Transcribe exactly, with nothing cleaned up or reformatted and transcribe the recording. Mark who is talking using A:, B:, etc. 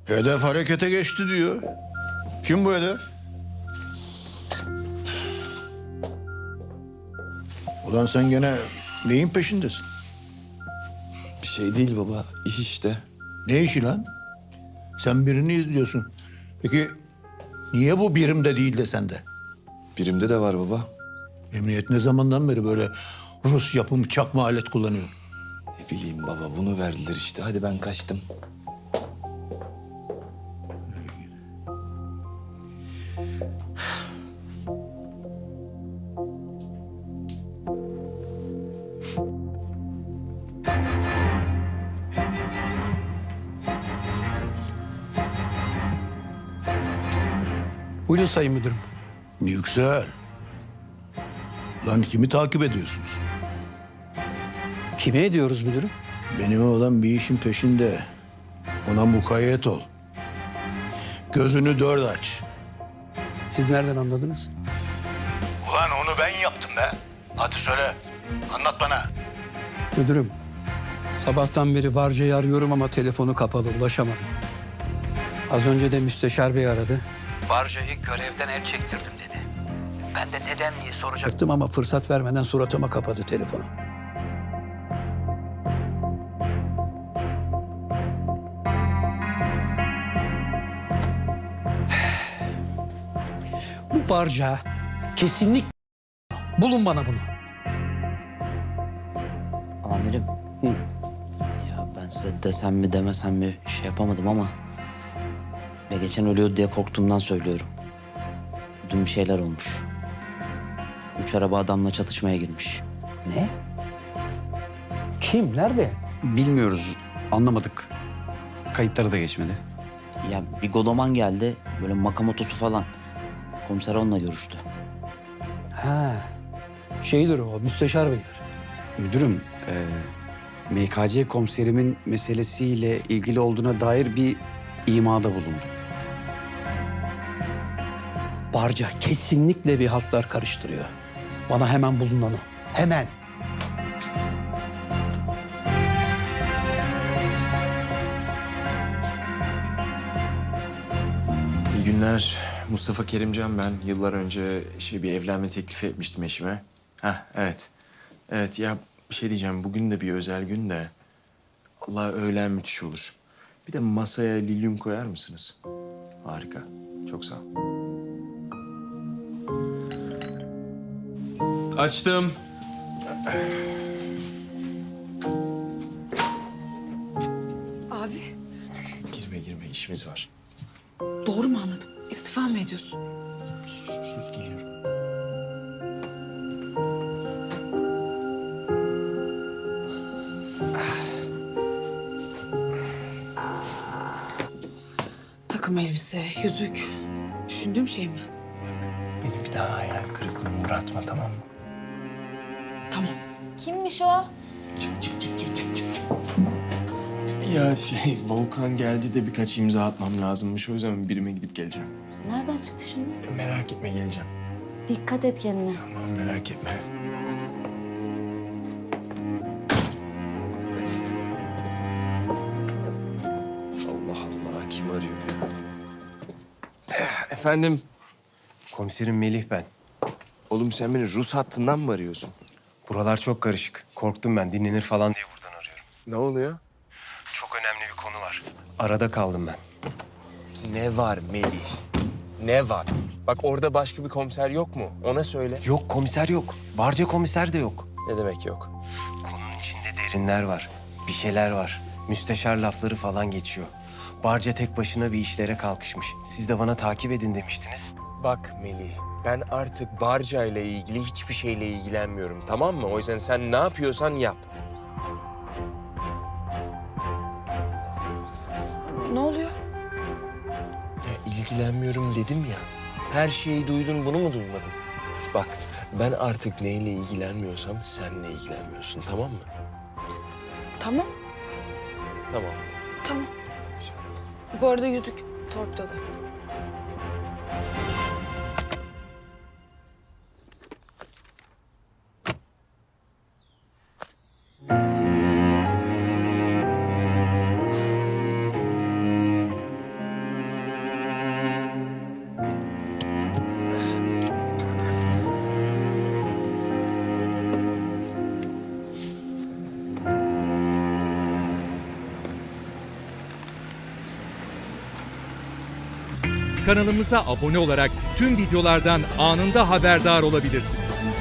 A: Hedef harekete geçti diyor. Kim bu hedef? Ulan sen gene neyin peşindesin?
B: Bir şey değil baba, iş işte.
A: Ne işi lan? Sen birini izliyorsun. Peki niye bu birimde değil de sende?
B: Birimde de var baba.
A: Emniyet ne zamandan beri böyle Rus yapımı çakma alet kullanıyor?
B: Ne bileyim baba, bunu verdiler işte. Hadi ben kaçtım.
C: Buyurun Sayın Müdürüm.
A: Yüksel. Lan kimi takip ediyorsunuz?
C: Kime ediyoruz müdürüm?
A: Benim oğlan bir işin peşinde. Ona mukayyet ol. Gözünü dört aç.
C: Siz nereden anladınız?
A: Ulan onu ben yaptım be. Hadi söyle. Anlat bana.
C: Müdürüm, sabahtan beri Barca'yı arıyorum ama telefonu kapalı, ulaşamadım. Az önce de müsteşar bey aradı. Barca'yı görevden el çektirdim dedi. Ben de neden diye soracaktım ama fırsat vermeden suratıma kapadı telefonu. Bu Barca kesinlikle bulun bana bunu.
D: Amirim.
C: Hı.
D: Ya ben size desem mi demesem mi şey yapamadım ama... Ya geçen ölüyordu diye korktuğumdan söylüyorum. Dün bir şeyler olmuş. Üç araba adamla çatışmaya girmiş.
C: Ne? Kim? Nerede?
E: Bilmiyoruz, anlamadık. Kayıtları da geçmedi.
D: Ya bir Godoman geldi, böyle makamotosu falan. Komiser onunla görüştü.
C: Ha. Şeydir o, müsteşar beydir.
E: Müdürüm, e, M K C komiserimin meselesiyle ilgili olduğuna dair bir imada bulundu.
C: Barca kesinlikle bir haltlar karıştırıyor. Bana hemen bulun onu. Hemen.
F: İyi günler. Mustafa Kerimcan ben. Yıllar önce şey bir evlenme teklifi etmiştim eşime. Heh, evet. Evet ya bir şey diyeceğim. Bugün de bir özel gün de. Allah öğlen müthiş olur. Bir de masaya lilyum koyar mısınız? Harika. Çok sağ ol. Açtım.
G: Abi,
F: Girme girme işimiz var.
G: doğru mu anladım? İstifa mı ediyorsun?
F: Sus sus sus geliyorum.
G: Takım elbise, yüzük. Düşündüğüm şey mi?
F: Beni bir daha hayal kırıklığına uğratma tamam mı?
G: Tamam.
H: Kimmiş o?
F: Ya şey Volkan geldi de birkaç imza atmam lazımmış. O yüzden birime gidip geleceğim.
H: Nereden çıktı şimdi?
F: Merak etme geleceğim.
H: Dikkat et kendine.
F: Tamam merak etme. Allah Allah kim arıyor ya? Efendim?
I: Komiserim Melih ben.
F: Oğlum sen beni Rus hattından mı arıyorsun?
I: Buralar çok karışık. Korktum ben dinlenir falan diye buradan arıyorum.
F: Ne oluyor?
I: Çok önemli bir konu var. Arada kaldım ben.
F: Ne var Melih? Ne var? Bak orada başka bir komiser yok mu? Ona söyle.
I: Yok komiser yok. Barca komiser de yok.
F: Ne demek yok?
I: Konunun içinde derinler var. Bir şeyler var. Müsteşar lafları falan geçiyor. Barca tek başına bir işlere kalkışmış. Siz de bana takip edin demiştiniz.
F: Bak Melih, ben artık Barca ile ilgili hiçbir şeyle ilgilenmiyorum, tamam mı? O yüzden sen ne yapıyorsan yap.
G: Ne oluyor?
F: Ya ilgilenmiyorum dedim ya. Her şeyi duydun, bunu mu duymadın? Bak, ben artık neyle ilgilenmiyorsam senle ilgilenmiyorsun, tamam mı?
G: Tamam,
F: Tamam.
G: tamam. Bu arada yüzük torpidoda.
J: Kanalımıza abone olarak tüm videolardan anında haberdar olabilirsiniz.